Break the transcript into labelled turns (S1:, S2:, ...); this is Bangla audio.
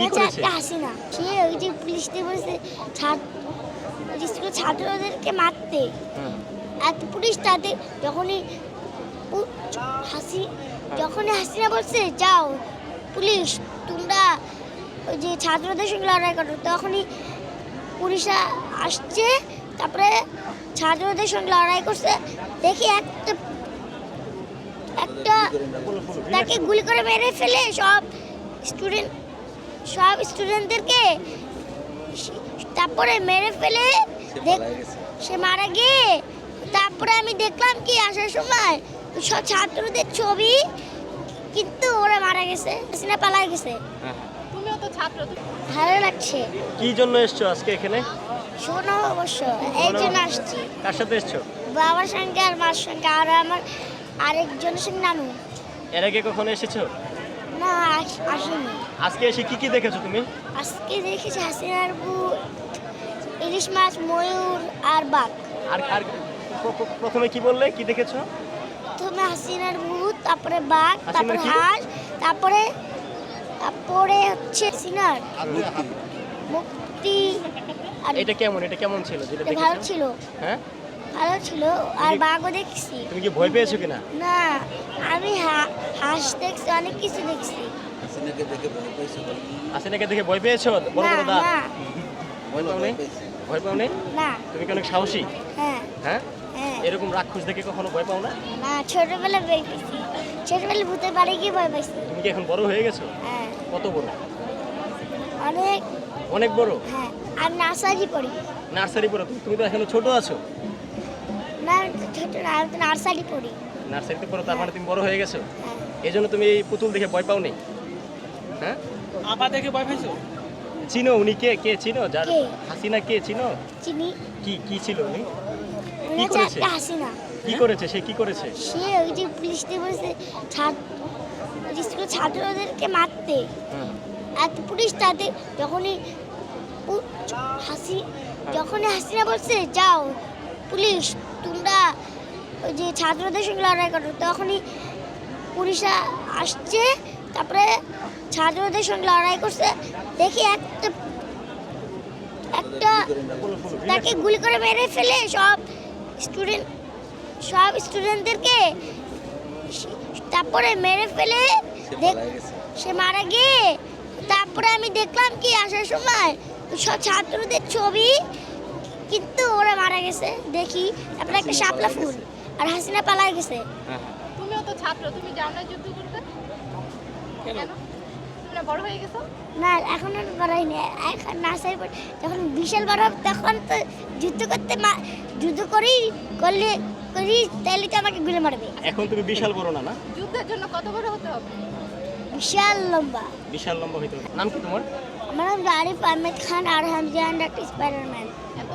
S1: একটা হাসিনা সে ওই যে পুলিশদের বলেছে ছাত্রদেরকে মারতে আর পুলিশ তাদের যখনই হাসিনা বলছে যাও পুলিশ তোমরা ওই যে ছাত্রদের সঙ্গে লড়াই করো, তখনই পুলিশরা আসছে, তারপরে ছাত্রদের সঙ্গে লড়াই করছে। দেখি একটা তাকে গুলি করে মেরে ফেলে সব স্টুডেন্টদেরকে, তারপরে মেরে ফেলে সে মারা গিয়ে তারপরে আমি দেখলাম কি আসার সময় সব ছাত্রদের ছবি, কিন্তু ওরা মারা গেছে, হাসিনা পালাই গেছে।
S2: তুমিও তো ছাত্র,
S1: ভালো লাগছে।
S3: কি জন্য এসছো আজকে এখানে?
S1: শোনো অবশ্য এই জন্য আসছি।
S3: কার সাথে এসছো?
S1: বাবার সঙ্গে আর মার সঙ্গে আর আমার আরেকজনের সঙ্গে নানু।
S3: এর আগে কখনো এসেছো?
S1: না আসিনি।
S3: আজকে এসে কি কি দেখেছো তুমি?
S1: আজকে দেখেছি হাসিনার ভূত, ইলিশ মাছ, ময়ূর আর বাঘ।
S3: আর আর প্রথমে কি বললে, কি দেখেছো?
S1: প্রথমে হাসিনার ভূত, তারপরে বাঘ,
S3: হাসিনার
S1: তারপরে
S3: কি?
S1: হাঁস, তারপরে হচ্ছে হাসিনার মুক্তি। আর
S3: এটা কেমন ছিল যেটা
S1: ভালো
S3: দেখেছো?
S1: ছিল,
S3: হ্যাঁ,
S1: ভালো ছিল। আর বাঘও দেখছি।
S3: তুমি কি ভয় পেয়েছো কিনা?
S1: না, আমি হাঁস দেখছি, অনেক কিছু দেখছি।
S3: হাসিনাকে দেখে ভয় পেয়েছো? বড়
S1: না
S3: বড় দাঁত?
S1: না
S3: ভয় পাও নাই? ভয় পাও নাই?
S1: না।
S3: তুমি কি অনেক সাহসী?
S1: হ্যাঁ
S3: হ্যাঁ,
S1: হ্যাঁ।
S3: এরকম রাক্ষস দেখে কখনো ভয় পাও না?
S1: না, ছোটবেলায় ভয় পেয়েছি। ছোটবেলায় ভূতের বাড়ি গিয়ে ভয় পাইছি।
S3: তুমি কি এখন বড় হয়ে গেছো?
S1: হ্যাঁ,
S3: কত বড়?
S1: অনেক।
S3: অনেক বড়।
S1: হ্যাঁ, আর নার্সারি পড়ি।
S3: নার্সারি পড়ো? তুমি তো এখনো ছোট আছো।
S1: না, ছোট না, আমি তো নার্সারি পড়ি।
S3: নার্সারিতে পড়ো, তার মানে তুমি বড় হয়ে গেছো।
S1: হ্যাঁ।
S3: এই জন্য তুমি এই পুতুল দেখে ভয় পাও নি? হ্যাঁ,
S4: আপা দেখে ভয় পাইছো?
S3: চিনো উনি কে চিনো? যার
S1: কে?
S3: হাসিনা কে চিনো?
S1: চিনি।
S3: কি ছিল উনি?
S1: উনি হচ্ছে
S3: করেছে?
S1: একটা হাসিনা।
S3: কি করেছে সে? কি করেছে?
S1: সে ওই যে পুলিশদের বলেছে ছাত্রদেরকে মারতে
S3: হ্যাঁ।
S1: আর পুলিশ তাদের যখনই হাসিনা বলছে যাও পুলিশ তোমরা ওই যে ছাত্রদের সঙ্গে লড়াই করো, তখনই পুলিশরা আসছে, তারপরে ছাত্রদের সঙ্গে লড়াই করছে। দেখি একটা তাকে গুলি করে মেরে ফেলে সব স্টুডেন্টদেরকে, তারপরে মেরে ফেলে সে মারা গিয়ে তারপরে আমি দেখলাম কি আসার সময় সব ছাত্রদের ছবি, কিন্তু ওরা মারা গেছে। দেখি তারপরে একটা শাপলা ফুল আর হাসিনা পালাই গেছে।
S2: তুমিও তো ছাত্র, তুমি যাও না যুদ্ধ করতে? কেন? তুমি না বড় হয়ে গেছো?
S1: না, এখন আর বড় হয়নি। এখন নার্সারি পড়ি। যখন বিশাল বড় হবে তখন তো যুদ্ধ করি তাহলে তো আমাকে গুলি মারবে।
S3: এখন তুমি বিশাল বড় না?
S2: যুদ্ধের জন্য কত বড় হতে হবে?
S1: বিশাল লম্বা।
S3: বিশাল লম্বা হইতে হবে। নাম কি তোমার?
S1: আমার নাম আরিফ আহমেদ খান আর হামজা অ্যান্ড স্পাইডারম্যান।
S2: এত